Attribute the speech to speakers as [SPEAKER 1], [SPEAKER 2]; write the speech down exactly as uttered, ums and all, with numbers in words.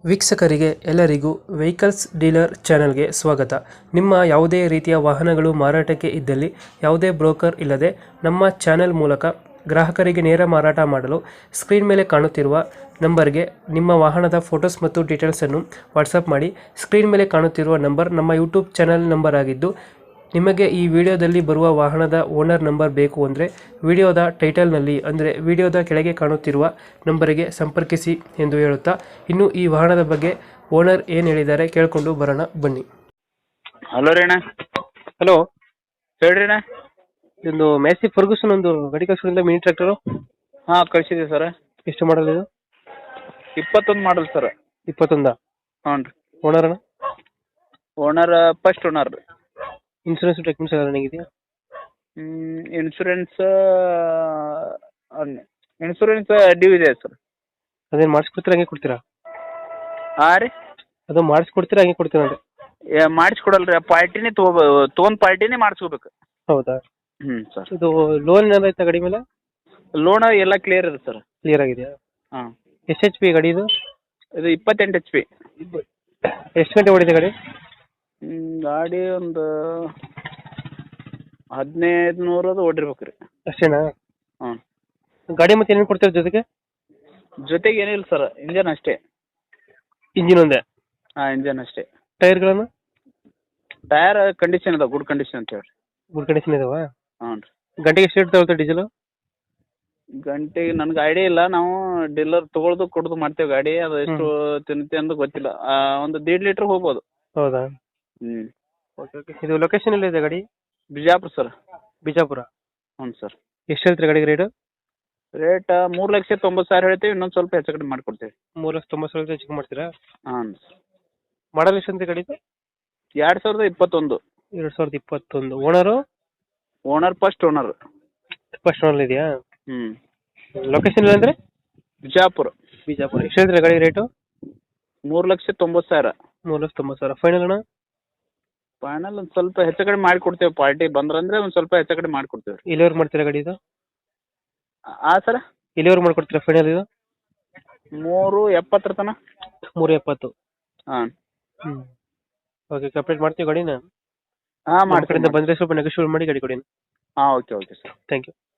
[SPEAKER 1] ವೀಕ್ಷಕರಿಗೆ ಎಲ್ಲರಿಗೂ vehicles dealer ಚಾನೆಲ್ಗೆ ಸ್ವಾಗತ. ನಿಮ್ಮ ಯಾವುದೇ ರೀತಿಯ ವಾಹನಗಳು ಮಾರಾಟಕ್ಕೆ ಇದ್ದಲ್ಲಿ ಯಾವುದೇ ಬ್ರೋಕರ್ ಇಲ್ಲದೆ ನಮ್ಮ ಚಾನೆಲ್ ಮೂಲಕ ಗ್ರಾಹಕರಿಗೆ ನೇರ ಮಾರಾಟ ಮಾಡಲು ಸ್ಕ್ರೀನ್ ಮೇಲೆ ಕಾಣುತ್ತಿರುವ ನಂಬರ್ಗೆ ನಿಮ್ಮ ವಾಹನದ ಫೋಟೋಸ್ ಮತ್ತು ಡೀಟೇಲ್ಸನ್ನು ವಾಟ್ಸಪ್ ಮಾಡಿ. ಸ್ಕ್ರೀನ್ ಮೇಲೆ ಕಾಣುತ್ತಿರುವ ನಂಬರ್ ನಮ್ಮ ಯೂಟ್ಯೂಬ್ ಚಾನೆಲ್ ನಂಬರ್ ಆಗಿದ್ದು, ನಿಮಗೆ ಈ ವಿಡಿಯೋದಲ್ಲಿ ಬರುವ ವಾಹನದ ಓನರ್ ನಂಬರ್ ಬೇಕು ಅಂದರೆ ವಿಡಿಯೋದ ಟೈಟಲ್ನಲ್ಲಿ ಅಂದರೆ ವಿಡಿಯೋದ ಕೆಳಗೆ ಕಾಣುತ್ತಿರುವ ನಂಬರಿಗೆ ಸಂಪರ್ಕಿಸಿ ಎಂದು ಹೇಳುತ್ತಾ, ಇನ್ನು ಈ ವಾಹನದ ಬಗ್ಗೆ ಓನರ್ ಏನು ಹೇಳಿದ್ದಾರೆ ಕೇಳಿಕೊಂಡು ಬರೋಣ ಬನ್ನಿ.
[SPEAKER 2] ಹಲೋ ರೀ ಅಣ್ಣ.
[SPEAKER 1] ಹಲೋ,
[SPEAKER 2] ಹೇಳ್ರಿ ಅಣ್ಣ.
[SPEAKER 1] ಇದೊಂದು ಮ್ಯಾಸಿ ಫರ್ಗೂಸನ್ ಒಂದು ಗಾಡಿ ಕಳಿಸೋದ್ರಿಂದ ಮಿನಿ ಟ್ರ್ಯಾಕ್ಟರು
[SPEAKER 2] ಹಾಂ ಕಳಿಸಿದೆ ಸರ್.
[SPEAKER 1] ಎಷ್ಟು ಮಾಡಲ್ ಇದು?
[SPEAKER 2] ಇಪ್ಪತ್ತೊಂದು ಮಾಡಲ್ ಸರ್.
[SPEAKER 1] ಇಪ್ಪತ್ತೊಂದ?
[SPEAKER 2] ಹ್ಞೂ ರೀ.
[SPEAKER 1] ಓನರ್ ಅಣ್ಣ?
[SPEAKER 2] ಓನರ್ ಫಸ್ಟ್ ಓನರ್ ರೀ.
[SPEAKER 1] ಇನ್ಸೂರೆನ್ಸ್ ಡಾಕ್ಯುಮೆಂಟ್ಸ್ ಎಲ್ಲ ನನಗಿದೆಯಾ?
[SPEAKER 2] ಇನ್ಶೂರೆನ್ಸ್ ಇನ್ಶೂರೆನ್ಸ್ ಡ್ಯೂ ಇದೆ ಸರ್.
[SPEAKER 1] ಅದೇನು ಮಾಡಿಸ್ಕೊಡ್ತೀರಾ ಹಂಗೆ ಕೊಡ್ತೀರಾ?
[SPEAKER 2] ಹಾಂ ರೀ.
[SPEAKER 1] ಅದು ಮಾಡಿಸ್ಕೊಡ್ತೀರಾ ಹಂಗೆ ಕೊಡ್ತೀರಾ ಅಂದರೆ?
[SPEAKER 2] ಮಾಡಿಸ್ಕೊಡಲ್ಲ ರೀ, ಪಾರ್ಟಿನೇ ತೊಗೋ ತೊಗೊಂಡು ಪಾರ್ಟಿನೇ ಮಾಡಿಸ್ಕೋಬೇಕು.
[SPEAKER 1] ಹೌದಾ?
[SPEAKER 2] ಹ್ಞೂ ಸರ್.
[SPEAKER 1] ಇದು ಲೋನ್ ಏನಾದ್ರು ಆಯ್ತಾ ಗಾಡಿ ಮೇಲೆ?
[SPEAKER 2] ಲೋನ್ ಎಲ್ಲ ಕ್ಲಿಯರ್ ಇದೆ ಸರ್.
[SPEAKER 1] ಕ್ಲಿಯರ್ ಆಗಿದೆಯಾ?
[SPEAKER 2] ಹಾಂ.
[SPEAKER 1] ಎಷ್ಟು ಎಚ್ ಪಿ ಗಾಡಿ ಇದು?
[SPEAKER 2] ಇದು ಇಪ್ಪತ್ತೆಂಟು ಎಚ್ ಪಿ.
[SPEAKER 1] ಎಷ್ಟು ಗಂಟೆ ಓಡಿದೆ ಗಾಡಿ?
[SPEAKER 2] ಗಾಡಿ ಒಂದು ಹದಿನೈದು ನೂರದು ಓಡಿರ್ಬೇಕು ರೀ.
[SPEAKER 1] ಅಷ್ಟೇನಾ?
[SPEAKER 2] ಹಾಂ.
[SPEAKER 1] ಗಾಡಿ ಮತ್ತೆ ಏನೇನು ಕೊಡ್ತೀರ ಜೊತೆಗೆ?
[SPEAKER 2] ಜೊತೆಗೆ ಏನಿಲ್ಲ ಸರ್, ಇಂಜನ್ ಅಷ್ಟೇ.
[SPEAKER 1] ಇಂಜಿನ್ ಒಂದೇ?
[SPEAKER 2] ಹಾಂ, ಇಂಜನ್ ಅಷ್ಟೇ.
[SPEAKER 1] ಟೈರ್ಗಳನ್ನು?
[SPEAKER 2] ಟೈರ್ ಕಂಡೀಷನ್ ಅದಾವೆ, ಗುಡ್ ಕಂಡೀಷನ್ ಅಂತ ಹೇಳಿ.
[SPEAKER 1] ಗುಡ್ ಕಂಡೀಷನ್ ಇದಾವಾ?
[SPEAKER 2] ಹ್ಞೂ ರೀ.
[SPEAKER 1] ಗಂಟೆಗೆ ಎಷ್ಟು ರೇಟ್ ತಗೊಳ್ತಾರೆ ಡೀಸೆಲು?
[SPEAKER 2] ಗಂಟೆಗೆ ನನಗೆ ಐಡಿಯಾ ಇಲ್ಲ, ನಾವು ಡೀಲರ್ ತೊಗೊಳ್ದು ಕೊಡೋದು ಮಾಡ್ತೇವೆ ಗಾಡಿ. ಅದು ಎಷ್ಟು ತಿನ್ನುತ್ತೆ ಅಂತ ಗೊತ್ತಿಲ್ಲ. ಒಂದು ದೀಡ್ ಲೀಟ್ರ್ ಹೋಗ್ಬೋದು.
[SPEAKER 1] ಹೌದಾ?
[SPEAKER 2] ಹ್ಞೂ.
[SPEAKER 1] Okay okay. ಇದು ಲೊಕೇಶನ್ ಎಲ್ಲಿದೆ ಗಾಡಿ?
[SPEAKER 2] ಬಿಜಾಪುರ ಸರ್.
[SPEAKER 1] ಬಿಜಾಪುರ?
[SPEAKER 2] ಹ್ಞೂ ಸರ್.
[SPEAKER 1] ಎಷ್ಟು ಹೇಳ್ತೀರಿ ಗಾಡಿಗೆ ರೇಟು?
[SPEAKER 2] ರೇಟ್ ಮೂರು ಲಕ್ಷ ತೊಂಬತ್ತು ಸಾವಿರ ಹೇಳ್ತೀವಿ, ಇನ್ನೊಂದು ಸ್ವಲ್ಪ ಹೆಚ್ಚು ಕಡಿಮೆ ಮಾಡಿಕೊಡ್ತೀವಿ.
[SPEAKER 1] ಮೂರು ಲಕ್ಷ ತೊಂಬತ್ತು ಸಾವಿರ ಹೆಚ್ಚು ಮಾಡ್ತೀರಾ?
[SPEAKER 2] ಹಾಂ ಸರ್.
[SPEAKER 1] ಮಾಡಲ್ ಎಷ್ಟು ಅಂತ ಗಾಡಿದು?
[SPEAKER 2] ಎರಡು ಸಾವಿರದ ಇಪ್ಪತ್ತೊಂದು.
[SPEAKER 1] ಎರಡು ಸಾವಿರದ ಇಪ್ಪತ್ತೊಂದು. Owner?
[SPEAKER 2] Owner first owner.
[SPEAKER 1] First owner ಇದೆಯಾ?
[SPEAKER 2] ಹ್ಞೂ.
[SPEAKER 1] ಲೊಕೇಶನ್ ಇಲ್ಲ ಅಂದರೆ?
[SPEAKER 2] ಬಿಜಾಪುರ.
[SPEAKER 1] ಬಿಜಾಪುರ. ಎಷ್ಟು ಹೇಳ್ತೀರಾ ಗಾಡಿ ರೇಟು?
[SPEAKER 2] ಮೂರು ಲಕ್ಷ ತೊಂಬತ್ತು ಸಾವಿರ.
[SPEAKER 1] ಮೂರು ಲಕ್ಷ ತೊಂಬತ್ತು ಸಾವಿರ. ಫೈನಲ್ ಅಣ್ಣ?
[SPEAKER 2] ಫೈನಲ್ ಒಂದು ಸ್ವಲ್ಪ ಹೆಚ್ಚು ಕಡಿಮೆ ಮಾಡಿಕೊಡ್ತೇವೆ, ಪಾರ್ಟಿ ಬಂದ್ರಂದ್ರೆ ಒಂದು ಸ್ವಲ್ಪ ಹೆಚ್ಚು ಕಡಿಮೆ ಮಾಡಿಕೊಡ್ತೇವೆ ರೀ.
[SPEAKER 1] ಎಲ್ಲಿವರೆಗೆ ಮಾಡ್ತೀರಾ ಗಾಡಿ ಇದು?
[SPEAKER 2] ಹಾಂ ಸರ್.
[SPEAKER 1] ಎಲ್ಲಿವರೆಗೆ ಮಾಡ್ಕೊಡ್ತೀರಾ ಫೈನಲ್ ಇದು?
[SPEAKER 2] ಮೂರು ಎಪ್ಪತ್ತರ ತನಕ.
[SPEAKER 1] ಮೂರು ಎಪ್ಪತ್ತು?
[SPEAKER 2] ಹಾಂ.
[SPEAKER 1] ಹ್ಞೂ. ಓಕೆ, ಕಂಪ್ಲೀಟ್ ಮಾಡ್ತೀವಿ ಗಾಡಿನ.
[SPEAKER 2] ಹಾಂ,
[SPEAKER 1] ನಮ್ಮ ಕಡೆಯಿಂದ
[SPEAKER 2] ಮಾಡ್ತೀನಿ.
[SPEAKER 1] ಬಂದರೆ ಸ್ವಲ್ಪ ನೆಗೋಷಿಯೇಟ್ ಮಾಡಿ ಗಾಡಿ ಕೊಡಿ.
[SPEAKER 2] ಹಾಂ, okay okay sir.
[SPEAKER 1] Thank you.